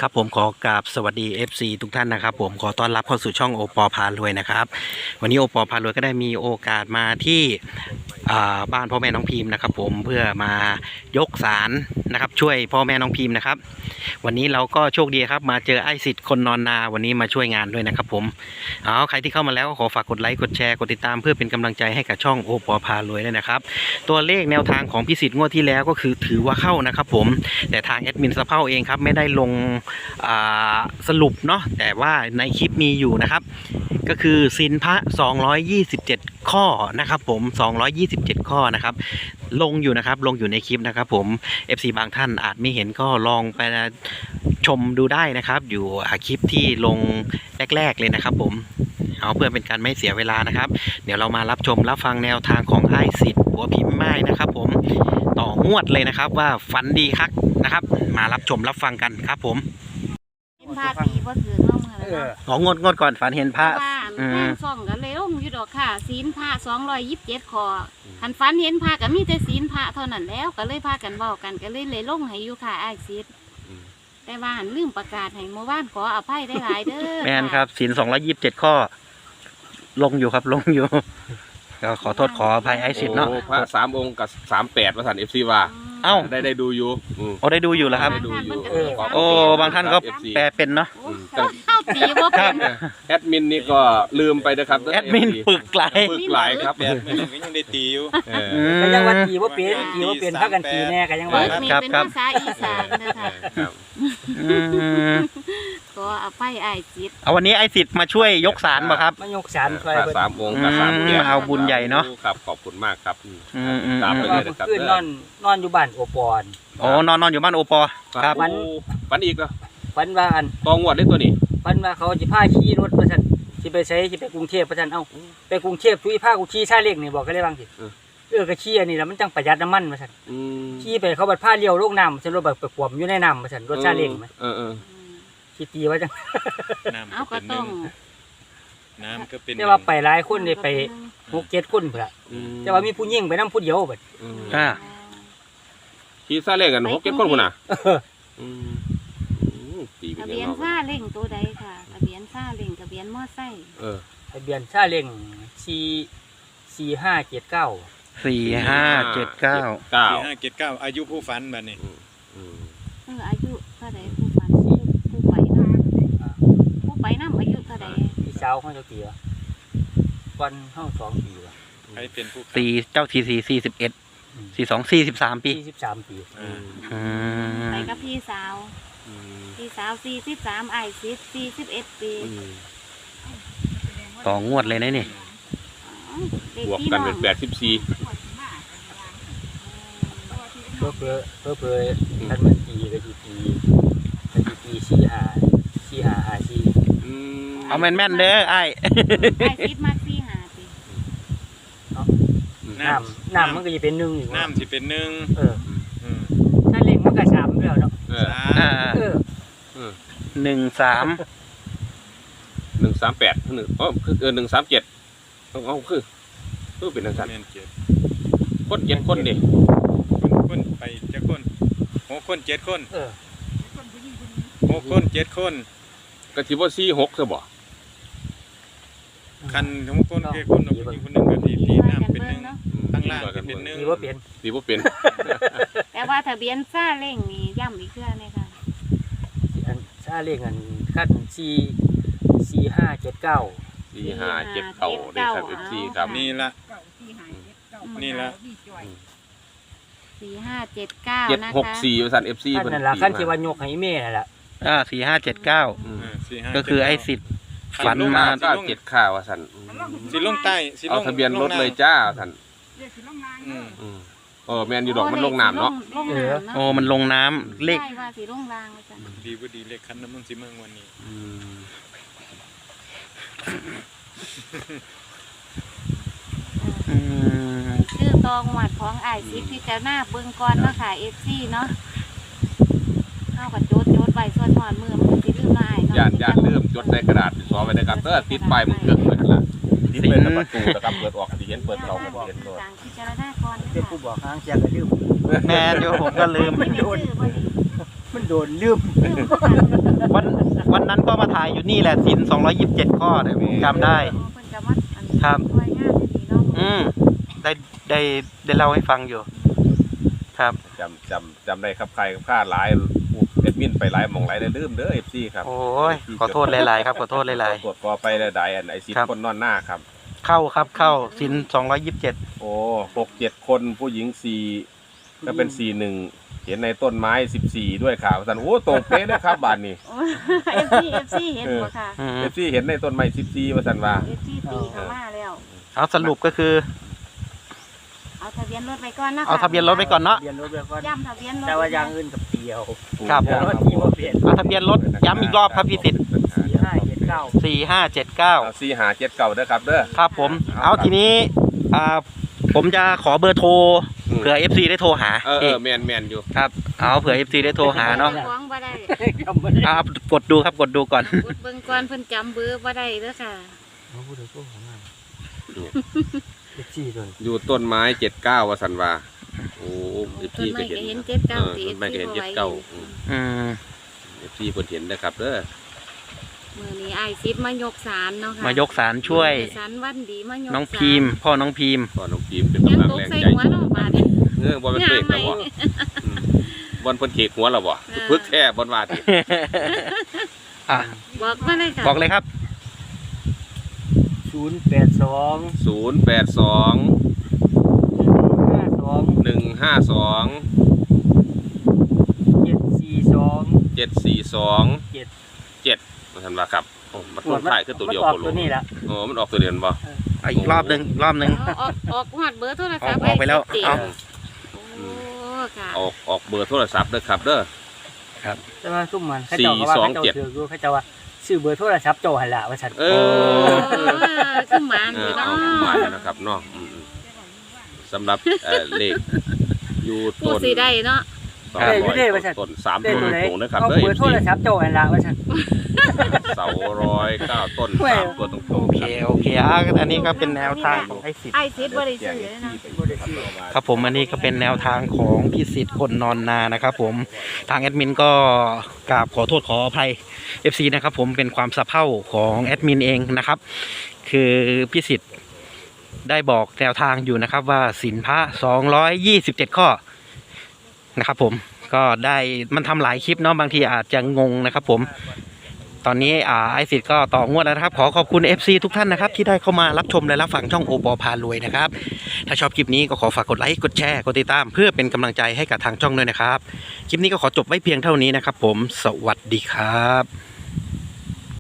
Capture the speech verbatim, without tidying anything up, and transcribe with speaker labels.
Speaker 1: ครับผมขอกราบสวัสดี เอฟ ซี ทุกท่านนะครับผมขอต้อนรับเข้าสู่ช่องโอปอพารวยนะครับวันนี้โอปอพารวยก็ได้มีโอกาสมาที่บ้านพ่อแม่น้องพิมพ์นะครับผมเพื่อมายกศาลนะครับช่วยพ่อแม่น้องพิมพ์นะครับวันนี้เราก็โชคดีครับมาเจอไอ้สิทธิ์คนนอนนาวันนี้มาช่วยงานด้วยนะครับผมเอาใครที่เข้ามาแล้วก็ขอฝากกดไลค์กดแชร์กดติดตามเพื่อเป็นกำลังใจให้กับช่องโอปอพารวยด้วยนะครับตัวเลขแนวทางของพิสิทธิ์งวดที่แล้วก็คือถือว่าเข้านะครับผมแต่ทางแอดมินสะเพาเองครับไม่ได้ลงสรุปเนาะแต่ว่าในคลิปมีอยู่นะครับก็คือศีลพระสองร้อยยี่สิบเจ็ดข้อนะครับผมสองร้อยยี่สิบเจ็ดข้อนะครับลงอยู่นะครับลงอยู่ในคลิปนะครับผม เอฟ ซี บางท่านอาจไม่เห็นก็ลองไปชมดูได้นะครับอยู่คลิปที่ลงแรกๆเลยนะครับผมเอาเพื่อเป็นการไม่เสียเวลานะครับเดี๋ยวเรามารับชมรับฟังแนวทางของไอ้สิทธิ์หัวพิมพ์ไม้นะครับผมต่องวดเลยนะครับว่าฝันดีครับนะครับมารับชมรับฟังกันครับผม
Speaker 2: พาปีบ่ถือน้องเลย
Speaker 1: อ๋องวดงวดก่อนฝันเห็นพระ
Speaker 2: อืมส่องกันเลยร่มอยู่ดอกค่ะศีลพระสองร้อยยี่สิบเจ็ดข้อหันฝันเห็นพระก็มีแต่ศีลพระเท่านั้นแล้วก็เลยพากันเว้ากันก็เลยเลยลงให้อยู่ค่ะอ้ายสิทธิ์แต่ว่าหันลืมประกาศให้เมื่อวานขออภัยได้หลายเด้อ
Speaker 1: แม่นครับศีลสองร้อยยี่สิบเจ็ดข้อลงอยู่ครับลงอยู่ก็ขอโทษขออภัยไอ้สิทธิ์เนาะ
Speaker 3: พระสามองค์กับสามแปดประสานเอฟซีว่า
Speaker 1: เอ้า
Speaker 3: ได้ได้ดูอยู่
Speaker 1: โอ้ได้ดูอยู่แล้วครับโอ้บางท่านก็แปลเป็นเนาะ
Speaker 2: เข้าตีว่าเป็น
Speaker 3: แอดมินนี่ก็ลืมไปนะครับ
Speaker 1: แอดมินปึกไหล
Speaker 3: ปึกไหลครับ
Speaker 4: แอดมินก็ยังได้ตีอยู่
Speaker 5: ก็ยังว่าตีว่าเป็นตีว่าเป็นพักกันตีแน่ก็ยังว่า
Speaker 2: ครับเป็นภาษาอีสานนะคะก็เอาไปไอ้สิทธิ์
Speaker 1: เอาวันนี้ไอ้สิทธิ์มาช่วยยกศาลป่ะครับ
Speaker 5: มายกศาลช่วย
Speaker 3: สามองค์กับสาม
Speaker 1: มาเอาบุญใหญ่เนาะ
Speaker 3: ครับขอบคุณมากครับ
Speaker 5: ตามไปเลยนะครับคือนอนนอนอยู่บ้านโอปอน
Speaker 1: โอ้นอนนอนอยู่บ้านโอปอครับ
Speaker 3: วันวันอีกเหรอ
Speaker 5: วันว่าอัน
Speaker 3: ตองวดได้ตัวนี้
Speaker 5: วันว่าเขาจะพาขี่รถประชันที่ไปใช้ที่ไปกรุงเทพประชันเอ้าไปกรุงเทพทุยผ้ากูขี่ชาเล็กนี่บอกก็ได้บ้างสิเออก็ขี่อันนี้แล้วมันจังประหยัดน้ำมันประชันขี่ไปเขาบัดผ้าเลี้ยวลูกน้ำฉันรถแบบไปขวมอยู่ในน้ำประชันรถชาเล็กไหม
Speaker 3: เออเออ
Speaker 5: ขี่ตีไว้จัง
Speaker 2: เอาก็ต้อง
Speaker 4: น้ำก็เป็น
Speaker 5: แต่ว่าไปหลายคนเลยไปหกเจ็ดคนเผื่อแต่ว่ามีผู้หญิงไปนั่งผู้เดียวแบบ
Speaker 1: อ่า
Speaker 3: ขี่ซาเล้งกันหกเจ็ดคนคนน่ะ
Speaker 2: ทะเบียนซาเล้งตัวใดค่ะทะเบียนซาเล้งทะเบียนมอไซค์
Speaker 3: เออ
Speaker 5: ทะเบียนซาเล้งสี่สี่ห้าเจ็ดเก้า
Speaker 1: สี่ห้าเจ็ดเก้า
Speaker 4: สี่ห้าเจ็ดเก้าอายุผู้ฝันแบบนี้
Speaker 2: เอออายุเท่าไรผู้ฝันผู้ไปน้ำผู้ไปน้ำอายุเท่าไร
Speaker 5: พี่สาวเขาจะกี่วะวันห้องสองปีวะ
Speaker 4: ใครเป็นผู้
Speaker 1: สี่เจ้าทีสี่สี่สิบเอ็ดสี่สองสี่สิบสามปี
Speaker 5: สี่สิบสามปี
Speaker 2: ไปกับพี่สาวพี่สาวสี่สิบสามไอ้สิบสี่สิบเอ็ดปี
Speaker 1: ต่องวดเลยนะนี่
Speaker 3: บวกกันเป็นแปดสิบสี่
Speaker 5: เพื่อเพื่อเพื่อเพื่อท่านมันตีก็จีตีก็จีตีสี่หาสี่หาหาสี่
Speaker 1: เอาแม่นแม่นเด้อไอ้
Speaker 2: ไอ้สิบมาสี่หาปี
Speaker 5: น้ำน้ำมันก็จะเป็นหนึ่งอยู่
Speaker 4: น้ำจะเป็นหนึ่ง
Speaker 5: เออถ้าเล็กมันก็สามแล้วเนาะ
Speaker 1: เออหนึ่งสาม
Speaker 3: หนึ่งสามแปดหนึ่งอ๋อคือเออหนึ่งสามเจ็ดเอาคือคือเป็นทางการคนเจ็ดคนดิ
Speaker 4: คนไปเจ็ดคนหกคนเจ็ดคนหกคนเจ็ดคน
Speaker 3: กะทิว่าสี่หกซะบ่
Speaker 4: คันหกคนเจ็ดคนอีกคนหนึ่งกะทิที่น้ำเป็นหนึ่งข้างล่างเป็นหนึ่ง
Speaker 5: ดีว่าเปลี่ยน
Speaker 3: ดีว่าเปลี่ยน
Speaker 2: แต่ว่าทะเบียนซาเล้งนี่ย่ำอีกเครื่องเลยค่ะ
Speaker 5: ซาเล้งอันขั้นสี่สี่ห้าเจ็ดเก้า
Speaker 3: สี่ห้าเจ็ดเก้าได้ครับเอฟซีครับ
Speaker 4: นี่ละนี่ละ
Speaker 2: สี่ห้าเจ็ดเก้า
Speaker 3: เจ็ดหกสี่บริษัทเอฟซี
Speaker 5: นั่นแหละขั้นที่วันยกให้เม่นั่นแหละ
Speaker 1: อ่าสี่ห้าเจ็ดเก้าก็คือไอ้สิทธิ์ฝันมา
Speaker 3: ก็เจ็ดข้าวสัน
Speaker 4: สีลงใต้
Speaker 3: เอาทะเบียนรถเลยจ้าสันเออแมนอยู่ดอกมันลงน้ำเนาะ
Speaker 1: โอ้มันลงน้ำเลข
Speaker 4: ดีว่าดีเลขคันน้ำมันสีเมืองวันนี้
Speaker 2: ชื่อตองหวัดของไอซิปที่จะหน้าเบื้องก้อนเนาะค่ะเอฟซีเนาะเข้ากับโจดโจดใบส่วนหอนมือมันจะลืมลาย
Speaker 3: ย่านย่านเริ่มจดในกระดาษซอไว้นะครับเออติดไปมันเกิดเลยละติดเป็นประตูนะครับเปิดออกที่เห็นเปิดเราก็เห็นด้วย
Speaker 2: ที่จะหน้าก้อน
Speaker 5: เป็นผู้บอกค้างเชียร์ก็ลืม
Speaker 1: แม่เดี๋ยวผมก็ลืม
Speaker 5: มันโดนลืม
Speaker 2: เรื่องประกัน
Speaker 1: วันวันนั้นก็มาถ่ายอยู่นี่แหละศีลสองร้อยยี่สิบเจ็ดข้อเนี่ยผมจำได้
Speaker 2: อ๋อเพิ่นก็มาอัน
Speaker 1: ครับ
Speaker 2: ช่วยงานดีเนาะ
Speaker 1: อืมได้ได้ได้เล่าให้ฟังอยู่ ครับ
Speaker 3: จำจำจำได้ครับใครกับข้าหลายเอ็ดมินไปหลายหมองหลายได้ลืมเด้อเอฟซีครับ
Speaker 1: โอ้ยขอโทษหลายๆครับขอโทษหลาย
Speaker 3: ตรวจกอไปหลายๆอันไอซิด
Speaker 1: ครับ
Speaker 3: คนนอนหน้าครับ
Speaker 1: ๆเข้าครับเข้าศีลสองร้อยยี่สิบเจ็ด
Speaker 3: โอ้หกเจ็ดคนผู้หญิงสี่ก็เป็นสี่หนึ่งเห็นในต้นไม้สิบสี่ด้วยข่าวสันโอ้ตรงเป๊ะเลยครับบ้านนี้
Speaker 2: โอ้ เอฟซี เอฟซี เห็นบ่ค่ะ
Speaker 1: อืม
Speaker 3: เอฟซีเห็นในต้นไม้สิบสี่มาสันว่า
Speaker 2: เอฟซีตีเข้ามาแล้ว
Speaker 1: เอาสรุปก็คือ
Speaker 2: เอาทะเบียนรถไปก่อนนะคะ
Speaker 1: เอาทะเบียนรถไปก่อนเนาะ
Speaker 5: เรียนรถเรียนก่อน
Speaker 2: ย้ำทะเบียนรถ
Speaker 5: แต่ว่าอย่างอื่นกับเดียว
Speaker 1: ครับผม
Speaker 5: แล้วที่บ่เปลี่ยน
Speaker 1: เอาทะเบียนรถย้ำอีกรอบครับพี่สิทธิ์
Speaker 5: สี่ห้าเจ็ดเก้า
Speaker 1: สี่ห้าเจ็ดเก้า
Speaker 3: เอาสี่หาเจ็ดเก่าเด้อครับเด้อ
Speaker 1: ครับผม เอาทีนี้อ่าผมจะขอเบอร์โทร
Speaker 3: อืม
Speaker 1: เผื่อ เอฟ ซี ได้โทรหา
Speaker 3: เออเอ
Speaker 1: เอ
Speaker 3: อง แมนแมนอยู่
Speaker 1: ครับเอาเผื่อ เอฟ ซี ได้โทรหาเนาะ
Speaker 2: ฟ้องบ่ได้
Speaker 5: จำไม่ได้
Speaker 1: เอากดดูครับกดดูก่อน
Speaker 2: กดเบิ่งก่อนเพิ่นจำเบอร์บ่ได้เด้อค่ะ
Speaker 5: เอาพูดถึงพวกของมันเจ็ดสี่ตัว
Speaker 3: อยู่ต้นไม้เจ็ดเก้าวสันว่าโอ้เอฟ
Speaker 2: ต้
Speaker 3: ซี
Speaker 2: นไม้
Speaker 3: ก็
Speaker 2: ก็
Speaker 3: เห็น
Speaker 2: เห็น
Speaker 3: นะ
Speaker 2: เจ็ดเก้า
Speaker 3: เออ
Speaker 2: สิ
Speaker 3: ต้นไม้ก็เห็นเจ็ด
Speaker 2: ไว้
Speaker 3: เก้า
Speaker 1: อืม
Speaker 3: เอฟซีเพิ่นเห็นนะครับเด้อ
Speaker 2: มื้อนี้อ้ายซิดมายกศาลเนาะค่ะ
Speaker 1: มายกสารช่วย
Speaker 2: ศาลวันดีมายก
Speaker 1: น้องพีมพ์พ่อน้องพีมพ์
Speaker 3: พ่อน้องพิมพ์เป็น
Speaker 2: ยัง
Speaker 3: กำลัง
Speaker 2: ตก
Speaker 3: แรง
Speaker 2: ใส่
Speaker 3: ใจ
Speaker 2: หัวเนาะบาดนี้
Speaker 3: เออบอลเป็นเบรกแล้วบ่อืมบอลเพิ่นเขกหัวแล้วบ่
Speaker 2: เออ
Speaker 3: พึกแท้บอลว่าติ
Speaker 1: อ่ะ
Speaker 2: บอกมาเลยค่ะ
Speaker 1: บอกเลยครับ
Speaker 5: ศูนย์แปดสอง
Speaker 3: ศูนย์แปดสอง
Speaker 5: ห้าสอง
Speaker 3: หนึ่งห้าสอง
Speaker 5: เจ็ดสี่สอง
Speaker 3: เจ็ดสี่สอง
Speaker 5: เจ็ด
Speaker 3: เจ็ดมาทันว่าครับโอ้มันต้นท้ายคือตัวเดียว
Speaker 5: มันอ
Speaker 3: โค
Speaker 5: อก
Speaker 3: โล
Speaker 5: ตัวนี้ละ
Speaker 3: โอ้มันออกตัวเดียวบ่
Speaker 1: อ่ะอีกรอบหนึ่งอีกรอบหนึ่ง
Speaker 2: เอาออกออกฮอดเบอร์โทรศัพท์
Speaker 1: ออกไปแล้ว
Speaker 2: อ้ย
Speaker 1: เอา
Speaker 2: โอ้ค่ะ
Speaker 3: ออกออกเบอร์โทรศัพท์เด้อครับเด้อ
Speaker 5: แต่ว่าซุ่มมันเขาเจ้าก็ว่า
Speaker 3: สี่สอง
Speaker 5: เขา
Speaker 3: เจ็
Speaker 5: เจ้า
Speaker 3: ด
Speaker 5: ถืออยู่เขาเจ้าว่าซื้อเบอร์โทรศัพท์เจ้าหันละว่าฉัน
Speaker 3: เอ
Speaker 2: โอ้
Speaker 3: อ
Speaker 2: คือหมาน
Speaker 3: เอ
Speaker 2: อ
Speaker 3: อยู่ เอา
Speaker 2: เนาะ
Speaker 3: มาแล้วนะครับเนาะอืมๆสำหรับเอ่อเลขอยู่
Speaker 2: ผู้
Speaker 3: ต้น
Speaker 2: สิได้เนาะ
Speaker 3: สองร้อยต้นสาม
Speaker 5: ได้
Speaker 3: ต้น
Speaker 5: ตัวไหน
Speaker 3: ตรงนะครับ
Speaker 5: เอา
Speaker 3: เด้อ
Speaker 5: เบอร์โทรศัพท์เจ้าหันละว่าฉัน
Speaker 3: เสาร้อยเก้าต้น
Speaker 5: แหม่
Speaker 3: สามตัวตรง
Speaker 1: โอ
Speaker 3: ๆ
Speaker 1: เค
Speaker 3: ครับ
Speaker 1: โอเคอ่ะอันนี้ก็เป็นแนวทางของไอ้สิทธิ์
Speaker 2: ไอ้ซิดบ่ได้ซื้อเลยนะ
Speaker 1: ครับผมอันนี้ก็เป็นแนวทางของพี่สิทธิ์คนนอนนานะครับผมทางแอดมินก็กราบขอโทษขออภัย เอฟ ซี นะครับผมเป็นความสะเพร่าของแอดมินเองนะครับ คือพี่สิทธิ์ได้บอกแนวทางอยู่นะครับว่าศีลพระสองร้อยยี่สิบเจ็ดข้อนะครับผมก็ได้มันทำหลายคลิปเนาะบางทีอาจจะงงนะครับผมตอนนี้อ่าไอสิทธิ์ก็ต่องวดแล้วนะครับขอขอบคุณ เอฟ ซี ทุกท่านนะครับที่ได้เข้ามารับชมและรับฟังช่องโอปอพารวยนะครับถ้าชอบคลิปนี้ก็ขอฝากกดไลค์กดแชร์กดติดตามเพื่อเป็นกำลังใจให้กับทางช่องด้วยนะครับคลิปนี้ก็ขอจบไว้เพียงเท่านี้นะครับผมสวัสดีครับ